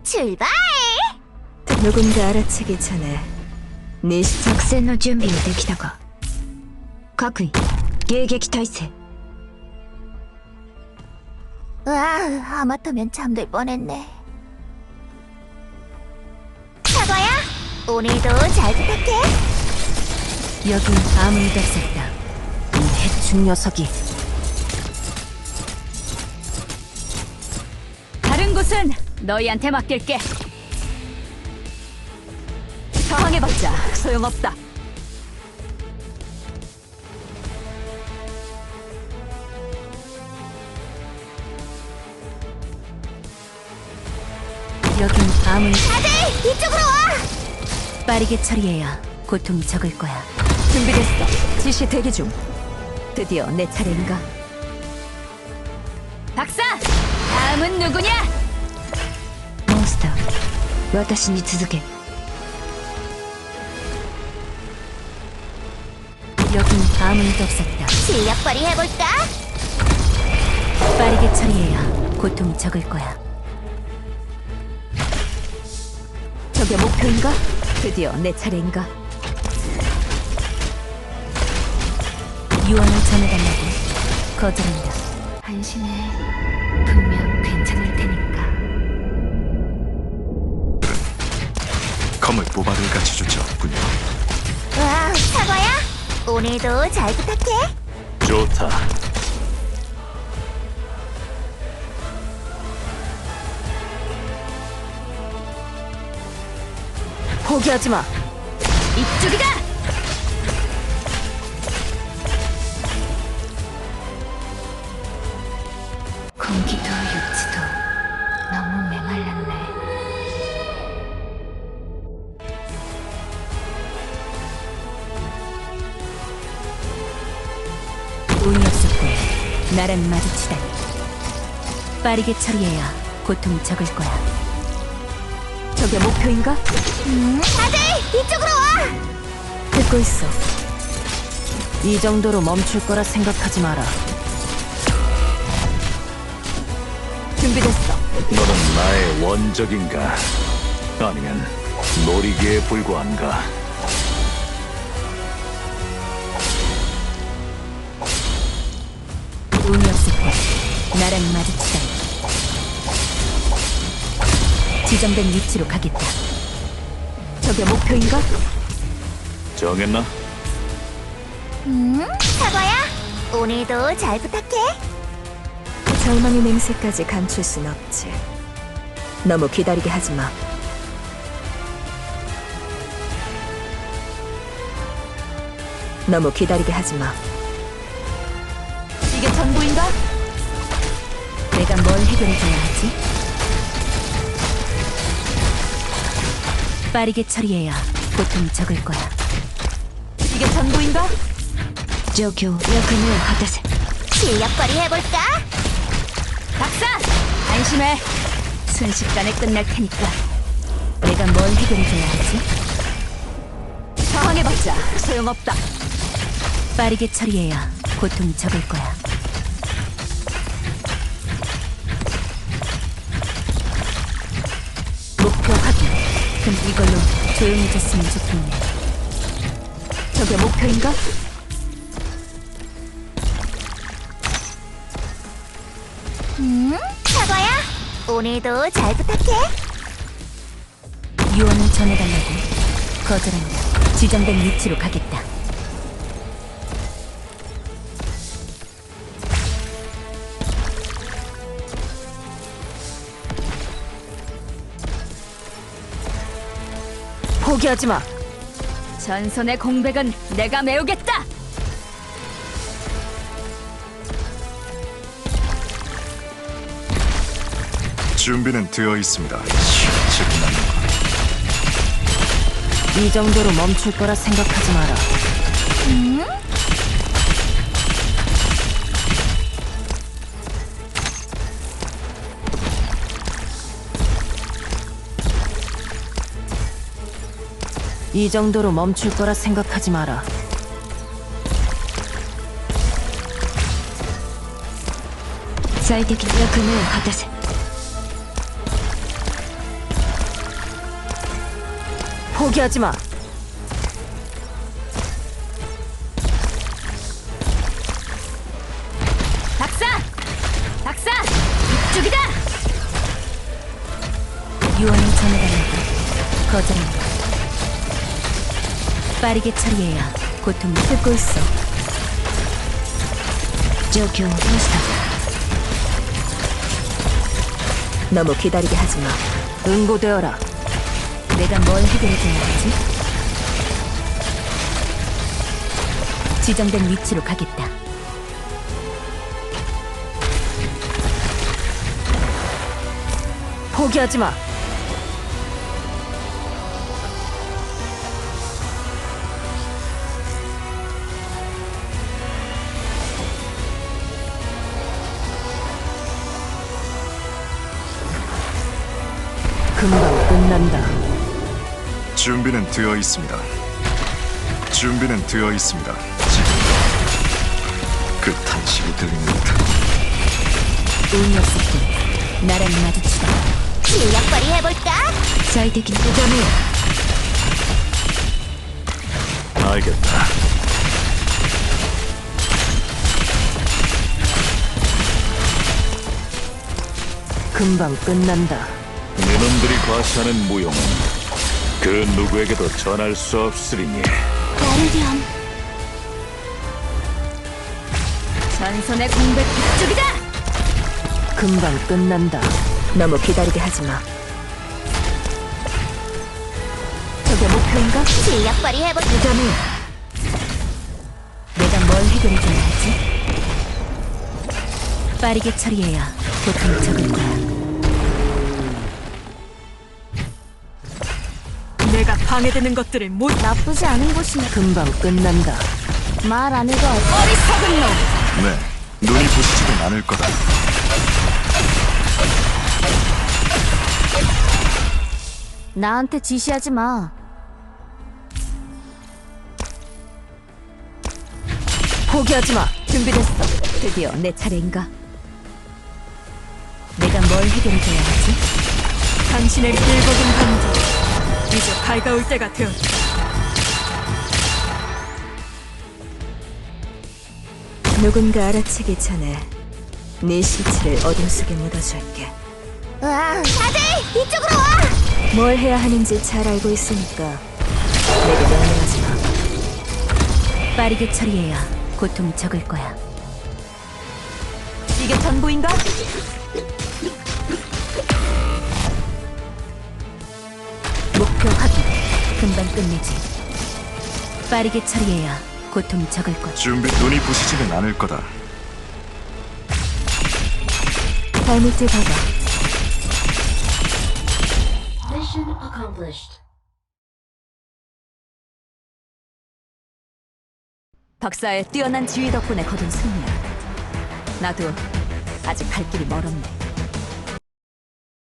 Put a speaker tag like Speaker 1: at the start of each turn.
Speaker 1: 출발!
Speaker 2: 누군가 알아채기 전에 네
Speaker 1: 作戦の準備はできたか。各位、迎撃態勢。 와, 하마터면 잠들 뻔했네. 사과야, 오늘도 잘 부탁해.
Speaker 2: 여긴 아무 일도 없었다. 이 해충 녀석이.
Speaker 3: 다른 곳은 너희한테 맡길게. 저항해봤자 소용없다.
Speaker 2: 여긴 아무
Speaker 1: 다들 이쪽으로 와!
Speaker 2: 빠르게 처리해야 고통이 적을 거야.
Speaker 3: 준비됐어. 지시 대기 중. 드디어 내 차례인가? 박사! 다음은 누구냐?
Speaker 1: 몬스터, 私に続け。
Speaker 2: 여긴 아무 일도 없었다.
Speaker 1: 실력 발휘해볼까?
Speaker 2: 빠르게 처리해야 고통이 적을 거야.
Speaker 3: 저게 목표인가? 드디어 내 차례인가?
Speaker 2: 유언을 전해달라고 거절한다.
Speaker 1: 안심해. 분명 괜찮을 테니까.
Speaker 4: 검을 모발을 같이 주지 없군요.
Speaker 1: 와, 사과야, 오늘도 잘 부탁해.
Speaker 4: 좋다.
Speaker 3: 포기하지 마. 이쪽이다.
Speaker 1: 공기도 육지도 너무 메말랐네.
Speaker 2: 운이 없었고 나랑 마주치다니. 빠르게 처리해야 고통이 적을 거야.
Speaker 3: 저게 목표인가?
Speaker 1: 다들 이쪽으로 와!
Speaker 2: 듣고 있어.
Speaker 3: 이 정도로 멈출 거라 생각하지 마라. 준비됐어.
Speaker 4: 너는 나의 원적인가? 아니면 놀이기에 불과한가?
Speaker 2: 운이 없었고 나랑 마주치다니. 지정된 위치로 가겠다.
Speaker 3: 저게 목표인가?
Speaker 4: 정했나?
Speaker 1: 사과야, 오늘도 잘 부탁해.
Speaker 2: 절망의 냄새까지 감출 순 없지. 너무 기다리게 하지 마. 너무 기다리게 하지 마.
Speaker 3: 이게 전부인가?
Speaker 2: 내가 뭘 해결해줘야 하지? 빠르게 처리해야 고통이 적을 거야.
Speaker 3: 이게 전부인가?
Speaker 1: 状況役目を果たせ。실력 발휘해볼까?
Speaker 3: 박사! 안심해. 순식간에 끝날 테니까.
Speaker 2: 내가 뭘 해결해줘야 하지?
Speaker 3: 저항해봤자 소용없다.
Speaker 2: 빠르게 처리해야 고통이 적을 거야. 목표 확인. 그럼 이걸로 조용해졌으면 좋겠네.
Speaker 3: 저게 목표인가?
Speaker 1: 사과야, 오늘도 잘 부탁해.
Speaker 2: 유언을 전해달라고 거절한다. 지정된 위치로 가겠다.
Speaker 3: 포기하지 마. 전선의 공백은 내가 메우겠다.
Speaker 4: 준비는 되어 있습니다. 시원치
Speaker 3: 이 정도로 멈출 거라 생각하지 마라. 이 정도로 멈출 거라 생각하지 마라.
Speaker 1: 最適な役目を果たせ。
Speaker 2: 포기하지 마.
Speaker 3: 박사! 박사! 이쪽이다!
Speaker 2: 유언을 전해달라고 거절한다. 빠르게 처리해야 고통을 듣고 있어.
Speaker 1: 状況をどうした
Speaker 2: 너무 기다리게 하지 마. 응고되어라. 내가 뭘 해결해줘야 하지? 지정된 위치로 가겠다. 포기하지 마. 금방 끝난다.
Speaker 4: 준비는 되어 있습니다. 준비는 되어 있습니다. 지금 그 탄식이 들리는 듯.
Speaker 2: 운이 없었군. 나랑 마주치다.
Speaker 3: 실력 발휘해볼까?
Speaker 1: 最適なダメよ
Speaker 4: 알겠다.
Speaker 2: 금방 끝난다.
Speaker 5: 네놈들이 과시하는 무용은 그 누구에게도 전할 수 없으리니
Speaker 3: 가르디언. 전선의 공백 이쪽이다!
Speaker 2: 금방 끝난다. 너무 기다리게 하지 마. 저게 목표인가?
Speaker 3: 실력 발휘해볼까?
Speaker 1: 다메よ
Speaker 2: 내가 뭘 해결해줘야 하지? 빠르게 처리해야 고통이 적을 거야. 내가 방해되는 것들을 못.
Speaker 3: 나쁘지 않은 곳이네.
Speaker 2: 금방 끝난다.
Speaker 3: 말 안 해도 어리석은 놈!
Speaker 4: 네, 눈이 부시지는 않을 거다.
Speaker 3: 나한테 지시하지 마.
Speaker 2: 포기하지 마. 준비됐어. 드디어 내 차례인가? 내가 뭘 해결해줘야 하지? 당신의 길거든 감정 이제 밝아올 때가 되었다. 누군가 알아채기 전에 네 실체를 어둠 속에 묻어줄게.
Speaker 3: 으아, 다들 이쪽으로 와!
Speaker 2: 뭘 해야 하는지 잘 알고 있으니까 내게 명령하지 마. 빠르게 처리해야 고통이 적을 거야. 이게 전부인가? 목표 확인. 금방 끝내지. 빠르게 처리해야 고통이 적을 거야.
Speaker 4: 눈이 부시지는 않을 거다.
Speaker 2: 발밑을 봐봐. 박사의 뛰어난 지휘 덕분에 거둔 승리야. 나도 아직 갈 길이 멀었네.